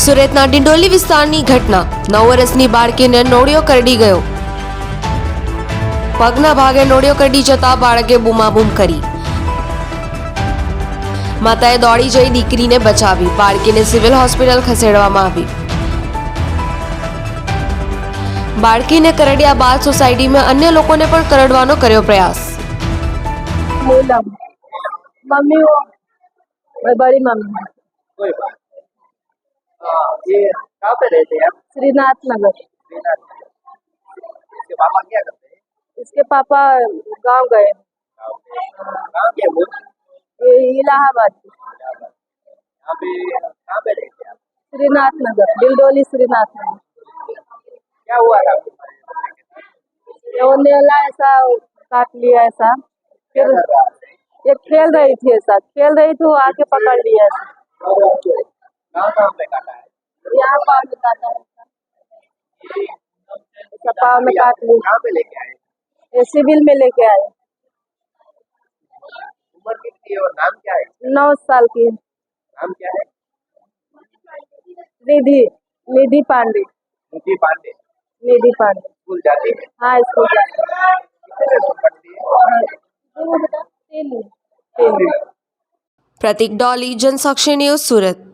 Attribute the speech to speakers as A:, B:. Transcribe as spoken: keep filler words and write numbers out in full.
A: સુરતના ડિંડોલી વિસ્તારની ઘટના નવ વર્ષની બાળકીને નોળિયો કરડી ગયો। પગના ભાગે નોળિયો કરડી જતા બાળકે બૂમાબૂમ કરી। માતાએ દોડી જઈ દીકરીને બચાવી। બાળકીને સિવિલ હોસ્પિટલ ખસેડવામાં આવી। બાળકીને કરડ્યા બાદ સોસાયટીમાં अन्य લોકોને પણ કરડવાનો કર્યો પ્રયાસ।
B: मम्मी वो बड़ी मम्मी
C: कोई बात नहीं। हाँ, ये कहाँ पे रहते हैं आप?
B: श्रीनाथ नगर।
C: श्रीनाथ में। इसके पापा क्या करते हैं?
B: इसके पापा गांव गए,
C: गाँव पे। कहाँ के वो?
B: ये इलाहाबाद,
C: यहाँ पे कहाँ पे रहते हैं आप?
B: श्रीनाथ नगर, डिंडोली श्रीनाथ नगर।
C: क्या हुआ था आपको?
B: वो नेला ऐसा काट लिया ऐसा,
C: क्या
B: फिर
C: कर रहा है?
B: ये खेल रही थी ऐसा खेल रही थी वो आके पकड़ लिया ऐसा।
C: कहाँ कहाँ पे काटा है?
B: यहाँ पाँव में काटा है,
C: ये
B: ऐसा पाँव में काट लिया।
C: कहाँ पे लेके आए?
B: ये सिविल में लेके आए।
C: उम्र कितनी है और नाम क्या है?
B: नौ साल की
C: नाम क्या है?
B: निधि निधि पांडे।
C: निधि पांडे।
B: निधि पांडे
C: स्कूल जाती है?
B: हाँ स्कूल जाते हैं।
C: कितने दिन पढ़ती है?
B: तीन तीन
A: પ્રતિક ડોલી, જનસાક્ષી ન્યૂઝ, સુરત।